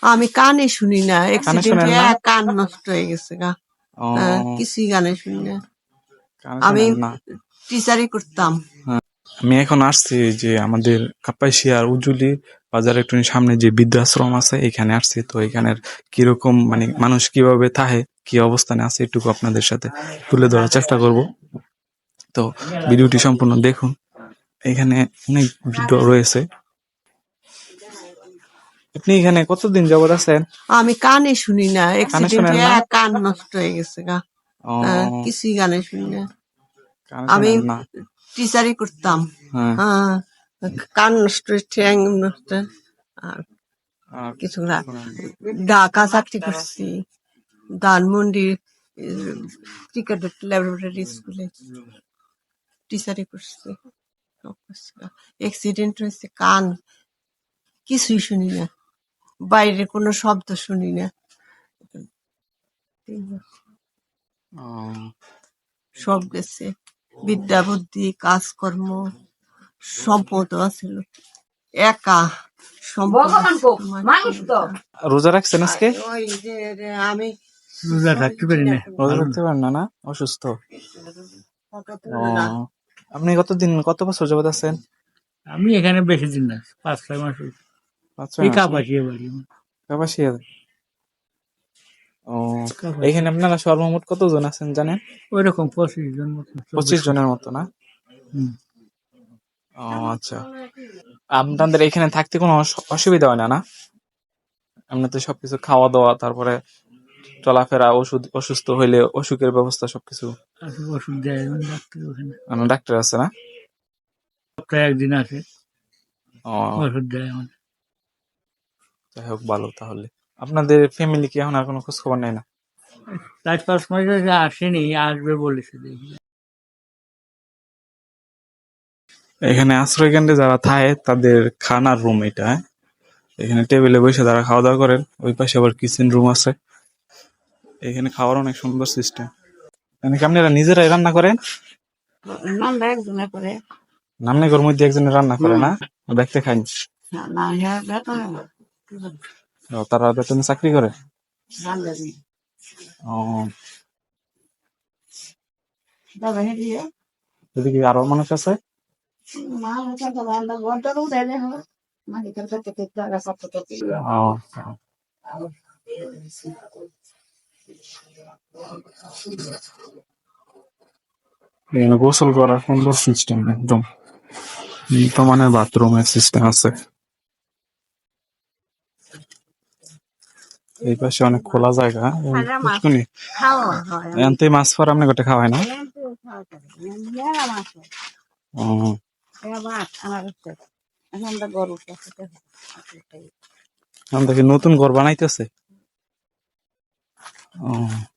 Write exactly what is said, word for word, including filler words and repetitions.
আমি কানে শুনি না, কানে অ্যাক্সিডেন্টে শোনেন না? কান নষ্ট হয়ে গেছে গা। ও হ্যাঁ, কিছুই গানে শুনি না। কানে আমি শোনেন না? টিচারই করতাম। হ্যাঁ। আমি এখন আসছি যে আমাদের কাপাসিয়ার উজুলি বাজার একটু সামনে যে বৃদ্ধাশ্রম আছে এখানে আসছি। তো এখানের কিরকম মানে মানুষ কিভাবে থাকে, কি অবস্থানে আছে এটুকু আপনাদের সাথে তুলে ধরার চেষ্টা করব। তো ভিডিওটি সম্পূর্ণ দেখুন। এখানে অনেক বৃদ্ধ রয়েছে। আপনি এখানে কতদিন যাবত আছেন? আমি কানে শুনি না, কানে অ্যাক্সিডেন্টে শোনেন না? কান নষ্ট হয়ে গেছে গা। ও হ্যাঁ, কিছুই গানে শুনি না। কানে আমি শোনেন না? টিচারই করতাম। হ্যাঁ। হ্যাঁ, কান নষ্ট, ঠ্যাং নষ্ট, আর আর কিছু না। শোনেন না। ঢাকা চাকরি করছি, ধানমন্ডি ক্রিকেট ল্যাবরেটরি স্কুলে টিচারই করছি। অ্যাক্সিডেন্ট হয়েছে, কান কিছুই শুনি না, বাইরে কোনো শব্দ শুনি না। ও সব গেছে, বিদ্যা বুদ্ধি কাজকর্ম সম্পদ আছিল, একা সম্পদ আছে তোমার কি বলবো। রোজা রাখছেন আজকে? ওই যে যে আমি রোজা থাকতে পারি না। রোজা রাখতে পারেন না? না অসুস্থ? ফটো ও তুলে না। আপনি কতদিন কত বছর যাবত আছেন? আমি এখানে বেশি দিন না, পাঁচ ছয় মাস হয়েছে। পাঁচ ছয় এই মাস? কাপাসিয়া বাড়ি। কাপাসিয়া? ও কাপাসিয়া। এখানে আপনারা সর্বমোট কতজন আছেন জানেন? ওই রকম পঁচিশ জন মতো, পঁচিশ চব্বিশ জন। জনের মতো না? হুম। ও আচ্ছা। আপনাদের এখানে থাকতে কোনো অস- অসুবিধা হয় না না? আপনার তো সবকিছু খাওয়া দাওয়া, তারপরে চলাফেরা, ওষুধ, অসুস্থ হইলে অসুখের ব্যবস্থা সবকিছু? আসে ওষুধ দেয় এখন ডাক্তার ওখানে। আপনার ডাক্তার আছে না? সপ্তাহে একদিন আসে, ও ওষুধ দেয় আমার। যাই হোক ভালো তাহলে। আপনাদের ফ্যামিলি কি এখন আর কোনো খোঁজ খবর নেই না? চার পাঁচ মাস হয়েছে আসেনি, আসবে বলেছে দেখি। এখানে আশ্রয় কেন্দ্রে যারা থাকে তাদের খানার রুম এটা, হ্যাঁ? এখানে টেবিলে বসে তারা খাওয়া দাওয়া করেন। ওই পাশে আবার কিচেন রুম আছে। এখানে খাওয়ার অনেক সুন্দর সিস্টেম। এখানে কি আপনারা নিজেরাই রান্না করেন? নামটা একজনে করে, নামনে ঘর মধ্যে একজনে রান্না করে না? দেখতে খাই। না হ্যাঁ বেতনে না, ও, তারা বেতনে চাকরি করে? রান্দারি ও তবে হেরিয়ে এদিকে আরো মানুষ আছে? মা হচ্ছে তো রান্না ঘন্টার উঠে দেখো মালিকের কাছে থেকে টাকা সব তো ও এখানে গোসল করার সুন্দর সিস্টেম, একদম বর্তমানে বাথরুমের সিস্টেম আছে। এই পাশে অনেক খোলা জায়গা। পুষ্কুনি খাওয়া হয়, এনতে মাছ ফার আপনি গোটে খাওয়ায় না? ও এখন দেখি নতুন ঘর বানাইতেছে। ও